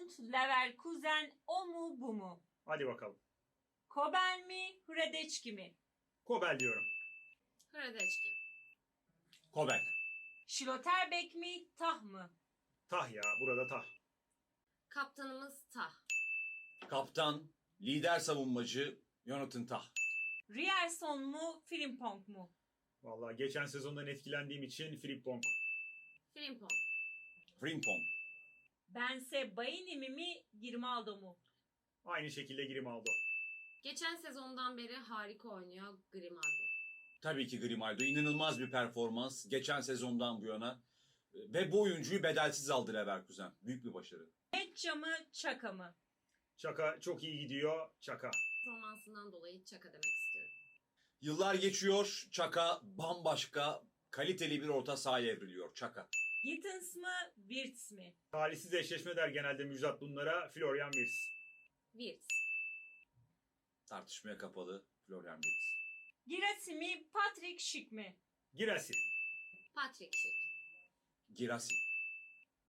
Bayreuth, Leverkusen, o mu bu mu? Hadi bakalım. Kobel mi, Hradeçki mi? Kobel diyorum. Hradeçki. Kobel. Schlotterbeck mi, Tah mı? Tah ya, burada tah. Kaptanımız Tah. Kaptan, lider savunmacı Jonathan Tah. Rierson mu, Frimpong mu? Vallahi geçen sezondan etkilendiğim için Frimpong. Frimpong. Frimpong. Bense Baini mi, Grimaldo mu? Aynı şekilde Grimaldo. Geçen sezondan beri harika oynuyor Grimaldo. Tabii ki Grimaldo. İnanılmaz bir performans. Geçen sezondan bu yana. Ve bu oyuncuyu bedelsiz aldı Leverkusen. Büyük bir başarı. Metça mı, Çaka mı? Çaka çok iyi gidiyor. Çaka. Performansından dolayı Çaka demek istiyorum. Yıllar geçiyor. Çaka bambaşka, kaliteli bir orta sahaya evriliyor. Çaka. Gittins mı, Wirtz mi? Talihsiz eşleşme der genelde Müjdat bunlara. Florian Wirtz. Wirtz. Tartışmaya kapalı Florian Wirtz. Girassi mi, Patrick Schick mi? Girasi. Patrick Schick. Girassi.